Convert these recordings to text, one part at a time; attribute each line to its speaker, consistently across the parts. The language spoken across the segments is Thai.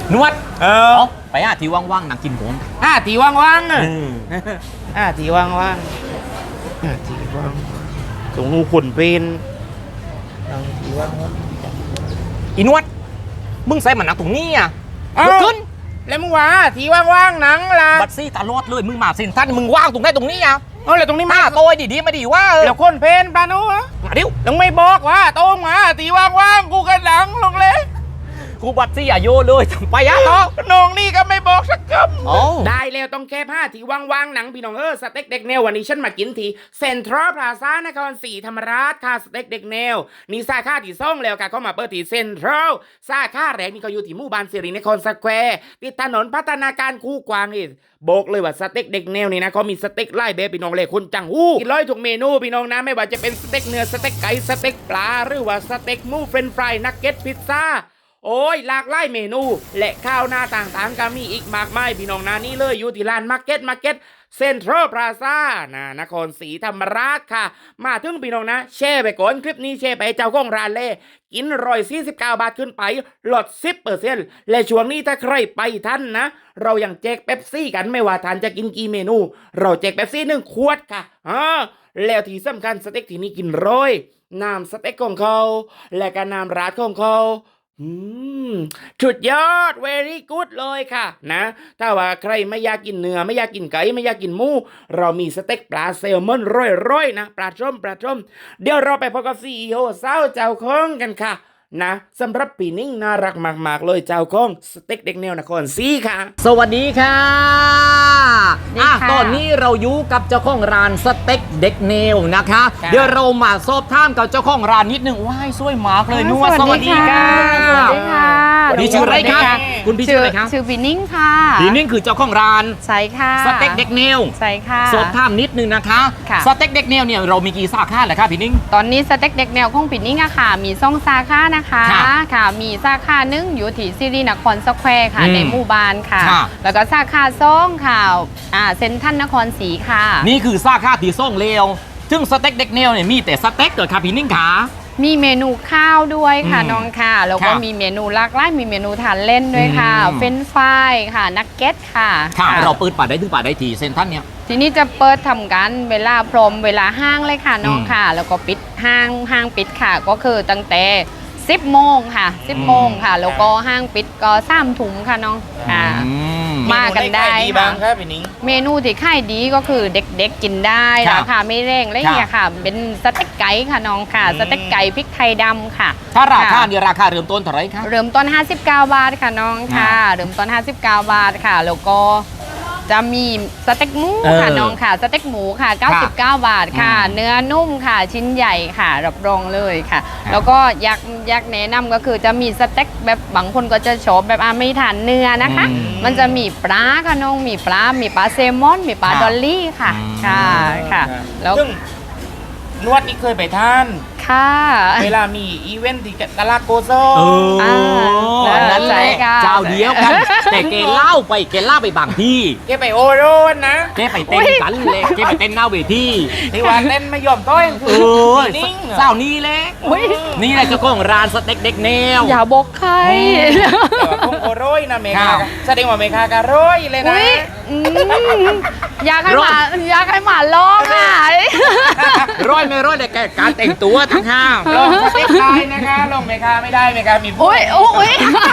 Speaker 1: นวด
Speaker 2: เอา
Speaker 1: ไปที่ว่างๆนั่งกินผม
Speaker 2: ที่ว่างๆที่ว่างๆที่ว่างตรงหูขุนเป็นที่ว่าง
Speaker 1: อีนวดมึงใส่มันนั่งตรงนี้อ่ะลุกขึ้น
Speaker 2: แล้วมึงว่าที่ว่างๆหนังล่ะ
Speaker 1: บัดซี่ตลอดเลยมึงมาสินท่านมึงว่างตรงไหนตรงนี้อ่ะ
Speaker 2: แล้วตรงนี้มา
Speaker 1: โตยดีๆมาดีว่า
Speaker 2: แล้วคนเพนปานุ
Speaker 1: มาดิว
Speaker 2: ลงไม่บอกว่าโต้งมาที่ว่างๆกูกันหลังลงเลย
Speaker 1: กูบัดซี่อย่าโยเลยไปอ่ะต่อ
Speaker 2: น้องนี่ก็ไม่บอกสักคำได้แล้วต้องแค่ผ้าที่ว่างๆหนังพี่น้องสเต็กเด็กแนววันนี้ฉันมากินที่เซ็นทรัลพลาซ่านครศรีธรรมราชค่ะสเต็กเด็กแนวนี่สาขาที่ซ่องแล้วค่ะก็มาเปิดที่เซ็นทรัลสาขาแรกนี่ก็อยู่ที่หมู่บ้านสิรินครสแควร์ติดถนนพัฒนาการคูกวางนี่บอกเลยว่าสเต็กเด็กแนวนี่นะเขามีสเต็กไล่แบบพี่น้องเลยคนจังหู้กินร้อยทุกเมนูพี่น้องนะไม่ว่าจะเป็นสเต็กเนื้อสเต็กไก่สเต็กปลาหรือว่าสเต็กหมูเฟรนช์ฟรายนักเก็ตพิซซ่าโอ้ยหลากหลายเมนูและข้าวหน้าต่างๆก็มีอีกมากมายพี่น้องนะนี่เลยอยู่ที่ร้านมาร์เก็ตเซ็นทรัลพลาซ่านครศรีธรรมราชค่ะมาถึงพี่น้องนะแชร์ไปก่อนคลิปนี้แชร์ไปเจ้าของร้านเลยกิน149 บาทขึ้นไปลด 10% และช่วงนี้ถ้าใครไปท่านนะเรายังแจกเป๊ปซี่กันไม่ว่าท่านจะกินกี่เมนูเราแจกเป๊ปซี่1 ขวดค่ะแล้วที่สำคัญสเต็กที่นี่กินน้ำสเต็กของเขาและก็น้ำราดของเขาสุดยอด very good เลยค่ะนะถ้าว่าใครไม่อยากกินเนื้อไม่อยากกินไก่ไม่อยากกินหมูเรามีสเต็กปลาแซลมอนร่อยๆนะปลาส้มเดี๋ยวเราไปพบกับCEOสาวเจ้าของกันค่ะนะสำหรับปีนิ่งน่ารักมากๆเลยเจ้าของสเต็กเด็กแนวนครศรีค่ะ
Speaker 1: สวัสดีค่ะตอนนี้เราอยู่กับเจ้าของร้านสเต็กเด็กแนวนะคะเดี๋ยวเรามาสอบถามกับเจ้าของร้านนิดนึงว้ายสวยมากเลยนัวสวัสดีค่ะ
Speaker 3: สวัสดีค่ะ
Speaker 1: พี่ชื่ออะไรครับคุณพี่ชื่ออะไรครับ
Speaker 3: ชื่อปีนิ่งค่ะ
Speaker 1: ปีนิ่งคือเจ้าของร้าน
Speaker 3: ใช่ค่ะ
Speaker 1: สเต็กเด็กแนว
Speaker 3: ใช่ค่ะ
Speaker 1: สอบถามนิดนึงนะคะสเต็กเด็กแนวเนี่ยเรามีกี่สาขาเหรอครับพี่นิ่ง
Speaker 3: ตอนนี้สเต็กเด็กแนวของปีนิ่งอะค่ะมี2 สาขานะคะค่ะมีสาขาหนึ่งอยู่ที่สิรินครสแควร์ค่ะในหมู่บ้านค่ะแล้วก็สาขา2ค่ะเซ็นทรัลนครศรีค่ะ
Speaker 1: นี่คือสาขาที่ส่งเลวซึ่งสเต็กเด็กแนวเนี่ยมีแต่สเต็กเหรอครับพี่นิ่งขา
Speaker 3: มีเมนูข้าวด้วยค่ะน้องค่ะแล้วก็มีเมนูหลากหลายมีเมนูทานเล่นด้วยค่ะเฟรนช์ฟรายค่ะนักเก็ตค่ะ
Speaker 1: เราเปิดป่าได้ถึงป่าได้ทีเซ็นทรัลเนี่ย
Speaker 3: ทีนี้จะเปิดทำกันเวลาพรมเวลาห้างเลยค่ะน้องค่ะแล้วก็ปิดห้างปิดค่ะก็คือตั้งแต่10 โมงค่ะ10 โมงค่ะแล้วก็ห้างปิดก็3 ทุ่มค่ะน้องค่ะมากันได้
Speaker 2: บ้างครับพี่นิ้ง
Speaker 3: เมนูที่ขายดีก็คือเด็กๆกินได้ราคาไม่แรงอะไรอย่างเงี้ยค่ะเป็นสเต็กไก่ค่ะน้องค่ะสเต็กไก่พริกไทยดำค่ะ
Speaker 1: ถ้าราคาเดียวราคาเริ่มต้นเท่าไหร่คะ
Speaker 3: เริ่มต้น59 บาทค่ะน้องค่ะเริ่มต้น59 บาทค่ะแล้วก็จะมีสเต็กหมูค่ะน้องค่ะสเต็กหมูค่ะ99 บาทค่ะเนื้อนุ่มค่ะชิ้นใหญ่ค่ะรับรองเลยค่ะแล้วก็อยากแนะนำก็คือจะมีสเต็กแบบบางคนก็จะชอบแบบไม่ทานเนื้อนะคะมันจะมีปลาค่ะน้องมีปลาแซลมอนมีปลาดอลลี่ค่ะแล้ว
Speaker 2: นวดนี่เคยไปทาน
Speaker 3: ค่ะ
Speaker 2: เวลามีอีเวนต์ที่ตลาดโกโซ
Speaker 1: นั่นแหละเจ้าเดียวกันแต่แกเล่าไปบางที่
Speaker 2: แกไปโอโรนนะ
Speaker 1: แกไปเต้นกันเลยแกไปเต้นหน้าเวที
Speaker 2: ที่ว่าเต้นไม่ยอมต้อย
Speaker 1: นิ่งเจ้านี่แหละนี่แหละเจ้าของร้านสเต็กเด็กแนว
Speaker 3: อย่าบอกใคร
Speaker 2: คงโอโรยนะเมคาแสดงว่าเมคากะโรยเลยนะ
Speaker 3: อยากให้หมาร้องอ่ะ
Speaker 1: ร้อยไม่ร้อยแต่การแต่งตัวทั้งห้าม
Speaker 2: ลงสเต็กได้นะคะลงเมคาไม่ได้เมคามี
Speaker 3: อุ้ย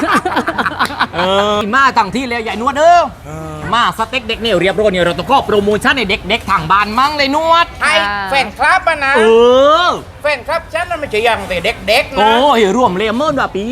Speaker 1: มาตั้งที่แล้วใหญ่นวดมาสเต็กเด็กเนี่ยเรียบร้อยเนี่ยเราต้องก็โปรโมชั่นในเด็กๆทางบ้านมั่งเลยนวด
Speaker 2: ให้แฟนคลับนะแฟนคลับฉันมันไม่ใช่อย่างแต่เด็กๆนะ
Speaker 1: โอ้ยรวมเลมเมอร์แบบปี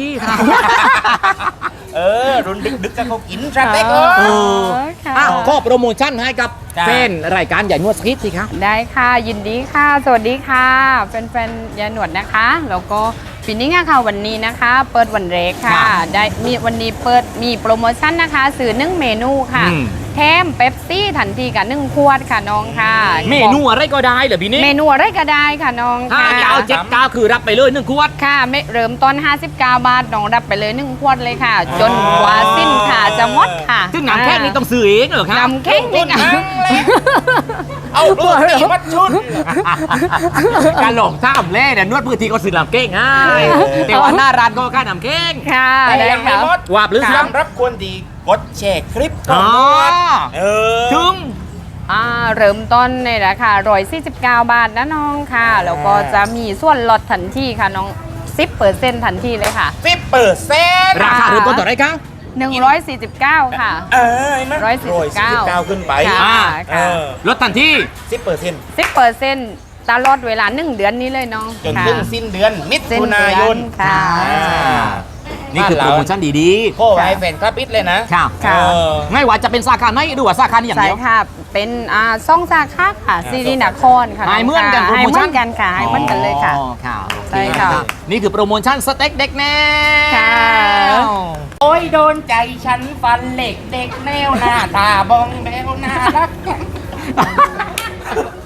Speaker 2: รุ่นดึกจะเขากินสเต็ก
Speaker 1: ก็โปรโมชั่นให้กับแฟนรายการใหญ่นวดสกิทสิครับ
Speaker 3: ได้ค่ะยินดีค่ะสวัสดีค่ะแฟนๆยายหนวดนะคะแล้วก็ปีนี้ค่ะวันนี้นะคะเปิดวันแรกค่ะได้มีวันนี้เปิดมีโปรโมชั่นนะคะสื่อ1 เมนูค่ะแถมเป๊ปซี่ทันทีกับ1 ขวดค่ะน้องค่ะ
Speaker 1: เมนูอะไรก็ได้เหรอพี่นี่
Speaker 3: เมนูอะไรก็ได้ค่ะน้องค่ะ
Speaker 1: 59คือรับไปเลย1 ขวด
Speaker 3: ค่ะเริ่มต้น59 บาทน้องรับไปเลย1 ขวดเลยค่ะจนกว่าสิ้นค่ะจะหมดค่ะ
Speaker 1: ถึซึ่งน้ำแข็งนี่ต้องซื้อเองเหรอครับ
Speaker 3: น้ำแข็งนี่นะ
Speaker 2: เอาลูกตีมัดชุด
Speaker 1: การหลงท่ามเล่เนี่ยนวดพื้นที่ก็ซื้อน้ำแข็งง่ายแต่ว่าหน้าร้านก็ค่าน้ำแข็ง
Speaker 3: ค่ะ
Speaker 2: แต่
Speaker 3: ได้
Speaker 2: ยังไม่
Speaker 3: ค่ะ
Speaker 2: หมด
Speaker 1: ว่าหรือยัง
Speaker 2: สำหรับคนดีกดแชร์คลิปก่อน
Speaker 1: อ๋อ
Speaker 2: เออ
Speaker 1: ถึง
Speaker 3: เริ่มต้นในราคา149 บาทนะน้องค่ะ แล้วก็จะมีส่วนลดทันทีค่ะน้อง 10% ทันทีเลยค่ะ
Speaker 2: 10%
Speaker 1: ราคาเริ่มต้นต่อไรครับ
Speaker 3: 149 ค่ะ
Speaker 2: เห็นไหม
Speaker 3: 149
Speaker 2: ขึ้นไป
Speaker 3: ค่ะ
Speaker 2: เออ
Speaker 1: ลดทันที
Speaker 2: 10%
Speaker 3: 10%ตลอดเวลา1 เดือนนี้เลยน้อง
Speaker 2: จน
Speaker 3: ค่ะ
Speaker 2: ถึงสิ้นเดือนมิ
Speaker 3: สิ้น
Speaker 2: ถุ
Speaker 3: เดื
Speaker 2: นา
Speaker 3: อน
Speaker 2: ยน
Speaker 3: ค่ะ
Speaker 1: นี่คือโปรโมชั่นดี
Speaker 2: โค้ไว้แฟนคลับปิดเลยนะ
Speaker 1: ๆครับ
Speaker 3: ค่ะ
Speaker 2: เออ
Speaker 1: ไม่ว่าจะเป็นสาขาไหนหรือว่าสาขานี้อย่าง
Speaker 3: ใช่
Speaker 1: เดียว
Speaker 3: ค่ะ เป็นซ่องสาขาค่ะซีรีส์นครค่ะ
Speaker 1: หายเหมือนกันโปร
Speaker 3: หาย
Speaker 1: โม
Speaker 3: เหมื
Speaker 1: ชั่
Speaker 3: อน นกันค่ะหายเหมือนกันเลยค่ะ
Speaker 1: อ๋อค่ะ
Speaker 3: ใช่ค่ะ
Speaker 1: นี่คือโปรโมชั่นสเต็กเด็กแนว
Speaker 3: ค่ะ
Speaker 2: โอ้ยโดนใจฉันฟันเหล็กเด็กแนวหน้าตาบองแบวน่ารัก